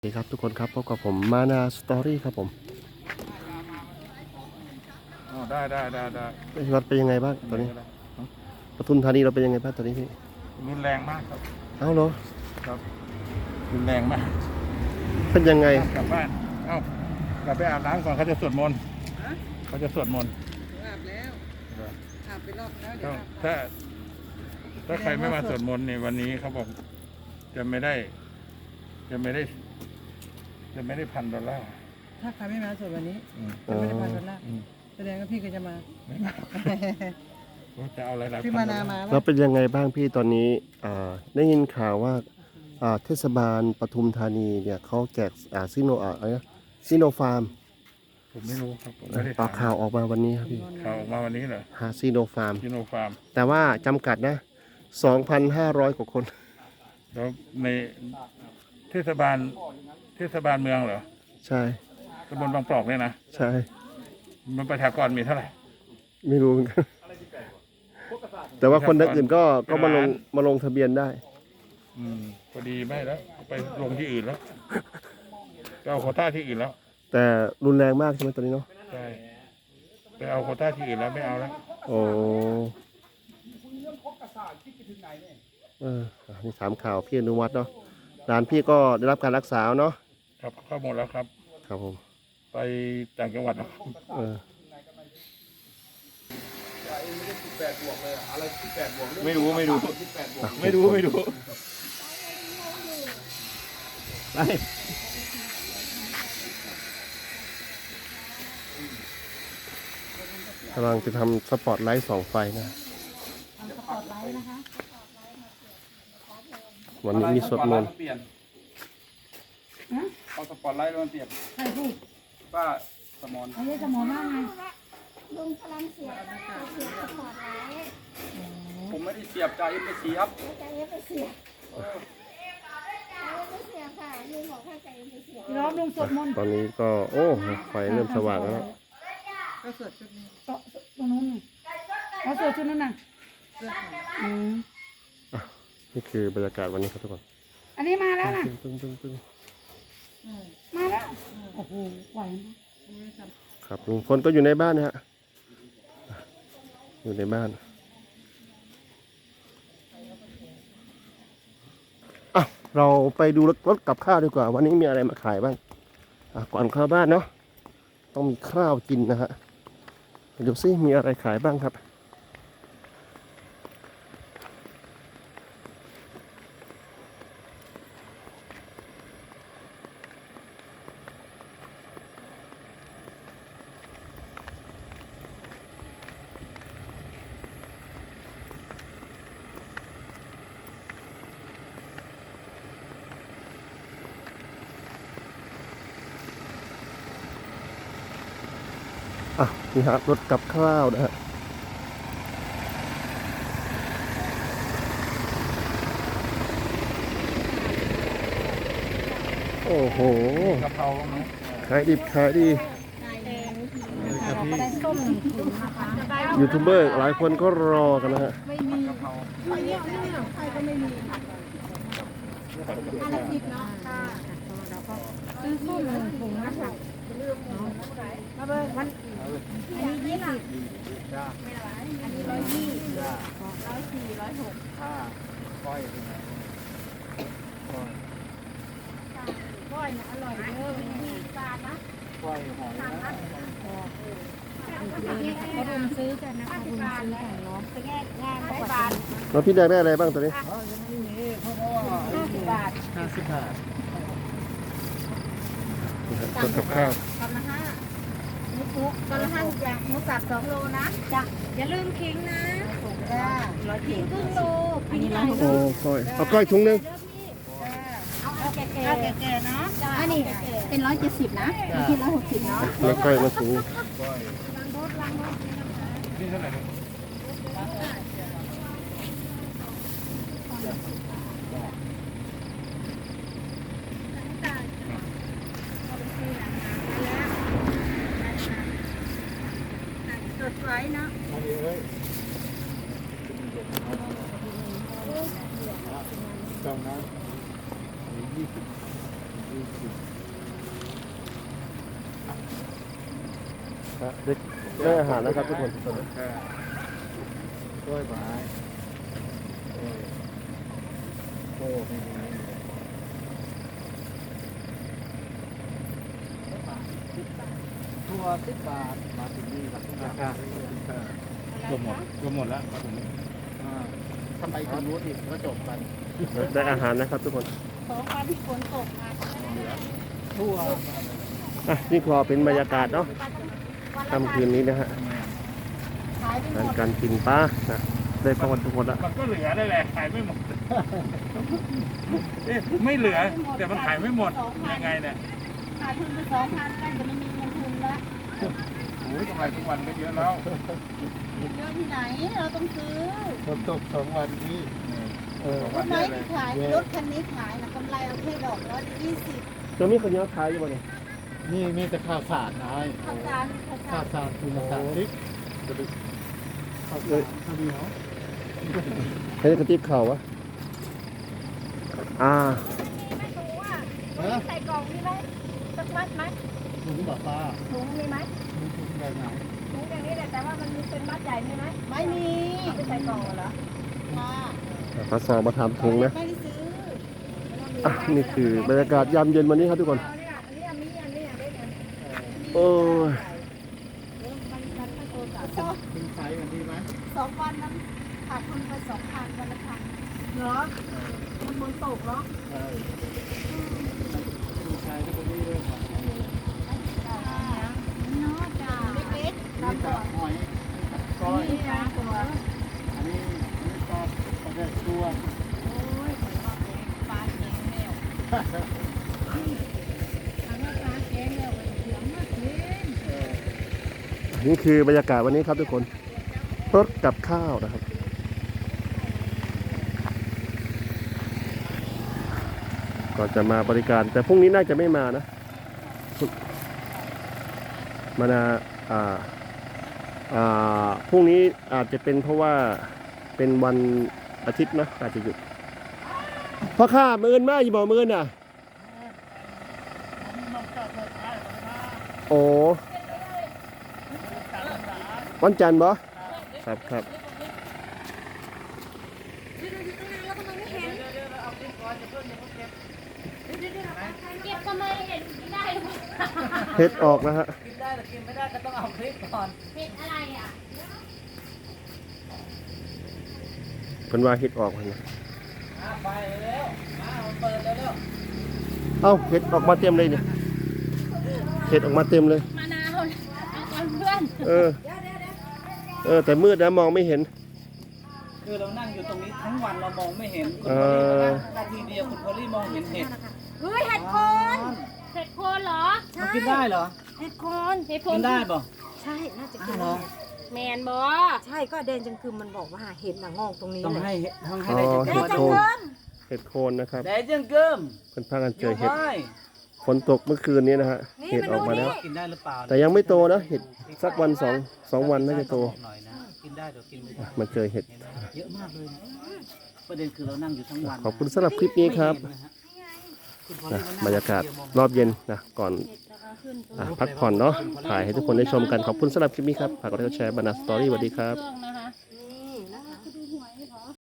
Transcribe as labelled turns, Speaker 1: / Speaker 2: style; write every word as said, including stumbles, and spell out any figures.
Speaker 1: สวัสดีครับทุกคนครับพบกับผมมานาสตอรี่ครับผม
Speaker 2: อ๋อได้ได้ได้ได้
Speaker 1: พี่วัดเป็นยังไงบ้างตอนนี้ปทุมธานีเราเป็นยังไงบ้างตอนนี้พี่
Speaker 2: รุนแรงมากครับ
Speaker 1: เอ้าเหรอ
Speaker 2: ครับรุนแรงมาก
Speaker 1: เป็นยังไง
Speaker 2: กลับบ้านเอ้ากลับไปอาบน้ำก่อนเขาจะสวดมนต์เขาจะสวดมนต์
Speaker 3: อาบแล้วอาบไปรอบแล้วเดี๋ยวอาบ
Speaker 2: ถ้าถ้าใครไม่มาสวดมนต์ในวันนี้เขาบอกจะไม่ได้จะไม่ได้จะไม่ได้พันดอลลาร์
Speaker 3: ถ้าใครไม่มาสวดวันนี้
Speaker 2: อืม
Speaker 3: จะไม่ได้พันดอลลาร์
Speaker 2: อืม
Speaker 3: แสดงว่าพี่ก็จะมา
Speaker 2: ไม่มาผมจะเอาอะไรหลาย
Speaker 3: พี่
Speaker 2: พั
Speaker 3: มาน นามา
Speaker 1: แล้วเป็นยังไงบ้างพี่ตอนนี้อ่าได้ยินข่าวว่าอ่าเทศบาลปทุมธานีเนี่ยเขาแจกอ่าซิโนอ่าอะไรนะซิโนฟาร์ม
Speaker 2: ผมไม่รู้ครับผมไม่ได้
Speaker 1: ต่อ
Speaker 2: ถาม
Speaker 1: ข่าวออกมาวันนี้ครับพี่
Speaker 2: ข่าวออกมาวันนี้เหรอ
Speaker 1: หาซิโนฟาร์ม
Speaker 2: ซิโนฟาร์ม
Speaker 1: แต่ว่าจำกัดนะสองพันห้าร้อยกว่าคน
Speaker 2: แล้วในเทศบาลเทศบาลเมืองเหรอ
Speaker 1: ใช่
Speaker 2: ตำบลบางปลอกเนี่ยนะ
Speaker 1: ใช่
Speaker 2: มันประชากรมีเท่าไหร่
Speaker 1: ไม่รู้เหมือนกันแต่ว่าคนอื่นก็ก็มาลงมาลงทะเบียนได้
Speaker 2: อืมพอดีไม่แล้วไปลงที่อื่นแล้วไปเอาโควต้าที่อื่นแล้ว
Speaker 1: แต่รุนแรงมากใช่ไหมตอนนี้เนาะ
Speaker 2: ใช่ไปเอาโควต้าที่อื่นแล้วไม่เอาแล้ว
Speaker 1: โอ้เอออ่ะนี่ถามข่าวพี่อนุวัฒน์เนาะร้านพี่ก็ได้รับการรักษาเนาะ
Speaker 2: ครับเข้าหมดแล้วครับ
Speaker 1: ครับผม
Speaker 2: ไปต่างจังหวัดนะครับ
Speaker 1: เออ
Speaker 2: ไม่รู้ไม่รู้ไม่รู้ไม่รู้ไป
Speaker 1: กำลังจะทำสปอตไลท์สองไฟนะวันนี้มีสวดมนต์
Speaker 2: เปลี่ยนเอาสปอตไลท์มาเปลี่ยน
Speaker 3: ใครพูด
Speaker 2: ป้าสมอน
Speaker 3: ไอ้ยสมองว่าไง
Speaker 4: ลุงกำลังเสียบเสียบสปอร์ตไลท์
Speaker 2: ผมไม่ได้เสียบจ่ายเอ็มไปเสียบ
Speaker 4: ใจเย็นไปเสียบใจเย็นไปเสียบค่ะลุงบอกให้ใจเย็นไปเสียบ
Speaker 3: พี่น้องลุงสวดมนต์
Speaker 1: ตอนนี้ก็โอ้ไฟเริ่มสว่างแล้ว
Speaker 3: ก็สวดชุดนี้ต่อตรงนู้นเขาสวดชุดนั้นน่ะอืม
Speaker 1: นี่คือบรรยากาศวันนี้ครับทุกคน
Speaker 3: อันนี้มาแล้วน่ะ
Speaker 1: ปึ้งปึ้งปึ้ง
Speaker 3: มาแล้วโอ้โหไหวไหม
Speaker 1: ครับลุงพลก็อยู่ในบ้านนะฮะอยู่ในบ้านอ่ะเราไปดูรถรถกับข้าวดีกว่าวันนี้มีอะไรมาขายบ้างอ่ะก่อนเข้าบ้านเนาะต้องมีข้าวกินนะฮะดูซิมีอะไรขายบ้างครับอ่ะนี่ฮะรถกับข้าวนะฮะโอ้โห
Speaker 2: กะเพราไหม
Speaker 1: ขายดิบขายดียูทูบเบอร์หลายคนก็รอกันนะฮะ
Speaker 4: ซื้อส้มหนึ่งถุงนะคะมาเบอร์วันอันนี้ยี่สิบอันนี้ร้อยยี่ร้อยสี่ร้อยหก
Speaker 2: ก้อย
Speaker 4: ก้อยนะอร่อยเยอะมีปลานะ
Speaker 2: ก้อยหอยนะ
Speaker 4: เขารุมซื้อกันนะคะรุมซื้อกันเนาะไปแง่งานได้บาท
Speaker 1: แล้วพี่แดงได้อะไรบ้างตอนนี้
Speaker 4: ห้าสิบบาท
Speaker 1: ห้าสิบบาทรถกับข้าว
Speaker 4: กำละห้าหมูปุ๊กกำละห้าอย่างหมูสับสองโลนะจ้ะอย่าลืมขิงนะจ้าร้อยขิงครึ่งโลขิงใหญ่
Speaker 1: โอ้ก้อยเอาก้อยถุงหนึง
Speaker 4: เอาเอาแก่ๆเอาแก่ๆเนาะอันนี้เป็นร้อยเจ็ดสิบนะคิดร้อยหกสิบเนาะ
Speaker 1: แล้วก้อยมาถุง
Speaker 2: นี่เท่าไหร่ครับ
Speaker 4: สดไว้เนาะ
Speaker 2: จองนะยี่สิบยี่สิบ
Speaker 1: ฮะเด็กได้อาหารนะครับทุกคน
Speaker 2: กล้วยไม้โอ้ไม่มีตัวสิบบาทมาถึงนี่ครับราคาก็หมดก็หมดแล้วมาถึงนี้ทำไมทางนู้นอีกก็จบกัน
Speaker 1: ได้อาหารนะครับทุกคน
Speaker 4: สองวันที่ฝนตกมา
Speaker 2: ทั่ว
Speaker 1: อ่ะนี่พอเป็นบรรยากาศเนาะค่ำคืนนี้นะฮะ
Speaker 4: ขายไปหม
Speaker 1: การ
Speaker 4: ด
Speaker 1: การกินปลานะได้ประวัติทุกคนละ
Speaker 2: มันก็เหลือได้แหละขายไม่หมดเอ๊ะไม่เหลือ แต่มันขายไม่หมดยังไงเนี่ย
Speaker 4: ขายทุนไปสองพันกันจะไม่มีเงินทุนละ
Speaker 2: โอ้ยกำไรทุกวันก็เยอะแล้ว
Speaker 4: เยอะที่ไหนเราต้องซื้อ
Speaker 5: ฝนตกสองวันนี้เออ
Speaker 4: รถไม้ที่ขายรถคันนี้ขายนะกำไรเอาแค่ดอกร้อยยี่สิบ
Speaker 1: จะมีคนเยอะขายอยู่บ่เนี่ย
Speaker 5: นี่มีแต่ข้าวสารนาย
Speaker 4: ข้าวสารข้าวสา
Speaker 5: ข้าว
Speaker 4: ร
Speaker 5: สารคือข้าวสารพริกข้าวสารข้าวเหนียว
Speaker 1: ให้กระติบข่าววะอ่า
Speaker 4: ไม่รู้อ่ะใส่กล่องมีไหมสักมัดไหม
Speaker 5: ถุงแบบป้า
Speaker 4: ถุงมีไหม
Speaker 5: มีถุงแบบไหน
Speaker 4: ถุงอย่างนี้แหละแต่ว่ามันมีเป็นมัดใหญ่มีไหมไม่มีเอาไปใส่กล่องเหรอค่ะ
Speaker 1: ปลาซอมาทำถุงนะ
Speaker 4: ไม่ได้ซื้อ
Speaker 1: อ่ะนี่คือบรรยากาศยามเย็นวันนี้ครับทุกคน
Speaker 4: เอาเนี่ยอันนี้อันนี้อันนี้อันนี้อันนี้
Speaker 1: โอ้ย
Speaker 4: มันมันไม่โตกับสอง
Speaker 5: เป็นไซส์กันดีไหม
Speaker 4: สองวันนั้นขาดทุนไปสองพันวันละพันเหรอมันบนตกเหรอ
Speaker 5: ใช่เป็นไซส์ที่คนนี้เลยครับ
Speaker 4: เนาะจ้าเล็กๆ
Speaker 5: นี่
Speaker 4: ตาม
Speaker 5: จะ
Speaker 4: ตัว
Speaker 5: หอยก้อย
Speaker 4: นี่ตามตัว
Speaker 5: อันนี้อันนี้ก็กระเด็นตัว
Speaker 4: โอ้ยเหมือนว่าปลาแกงแมวอันนั้นปลาแกงแมวมันเสียงมากเลย
Speaker 1: นี่คือบรรยากาศวันนี้ครับทุกคนรถกับข้าวนะครับ ก็จะมาบริการแต่พรุ่งนี้น่าจะไม่มานะมานาอ่าอ่าพรุ่งนี้อาจจะเป็นเพราะว่าเป็นวันอาทิตย์นะอาจจะหยุดเพราะข้ามือนมากอยู่บอกมือนอ่ะโอ้วันจันทร์บ่ครับครับ
Speaker 4: เก็บทำไมเห็นไม่ได้หรอ
Speaker 1: เฮ็ดออกนะฮะ
Speaker 6: กินได้แต่กินไม่ได้ก็ต้องเอาคลิปก่อน
Speaker 4: เห็นอะไรอ่ะ
Speaker 1: เป็นว่าเฮ็ดออกนะ
Speaker 6: อ่ะไปเร็วมาเปิดเร็ว
Speaker 1: เอ้าเฮ็ดออกมาเต็มเลยเนี่ยเฮ็ดออกมาเต็มเลย
Speaker 4: มะนาวเอาก่อนเพื่อน
Speaker 1: เออเออแต่มืดนะมองไม่เห็น
Speaker 6: ๆคือเรานั่งอยู่ตรงนี้ทั้งวันเรามองไม่เห็นคุณ
Speaker 1: เอ
Speaker 6: พอลลี่ก็
Speaker 1: อ
Speaker 6: นั่งนาทีเดียวคุณพอลลี่มองเห็นเห็ด
Speaker 4: เฮ้ยเห็ดโคนเห็ดโคนเหรอ
Speaker 6: มันกินได้เหรอ
Speaker 7: เห็ดโคน
Speaker 4: เห็ดโค
Speaker 6: กิ
Speaker 4: น
Speaker 6: นได้ป่ะ
Speaker 7: ใช่ น่าจะ
Speaker 6: อ้า
Speaker 7: กิ
Speaker 6: วน เหรอ
Speaker 4: แมนบอ
Speaker 7: ใช่ก็แดนจังคือมันบอกว่าเห็ดหนังงอกตรงนี้
Speaker 6: ต้อง
Speaker 7: เลย
Speaker 6: ให้ต้องให้
Speaker 1: อ๋อ
Speaker 6: ได้
Speaker 1: เห็ด
Speaker 6: จัง
Speaker 1: โค
Speaker 6: เกิ
Speaker 1: นเห็ดโคนนะครับ
Speaker 6: ได้จังเกิม
Speaker 1: เพิ่นพากัน
Speaker 6: อ
Speaker 1: เจอยู่ เห็ด
Speaker 6: ไว้
Speaker 1: ฝนตกเมื่อคืนนี้นะฮะเห็ดออกมาแล้ว
Speaker 6: กินได้หรือเปล่า
Speaker 1: แต่ยังไม่โตนะเห็ดสักวันสองสองวันน่าจะโต
Speaker 6: บอกหน่อยนะกินได้เดี๋ยวกินไม่ได้
Speaker 1: มันเจอเห็ด
Speaker 6: เห็นไหมเยอะมากเลยนะประเด็นคือเรานั่งอยู่ทั้งวันนะ
Speaker 1: ขอบคุณสำหรับคลิปนี้ครับ
Speaker 6: ไม่เห็นนะฮะคุณพอล
Speaker 1: นะ
Speaker 6: ลี่นั่ง
Speaker 1: บรรยากาศ
Speaker 6: คนเดีวมอง
Speaker 1: รอบเย็นนะก่อนอ่ะพักผ่อนเนาะถ่ายให้ทุกคนได้ชมกันขอบคุณสำหรับคลิปนี้ครับฝากกดไลค์กดแชร์บรรณาสตอรี่สวัสดีครับ
Speaker 4: เครื่องนะคะ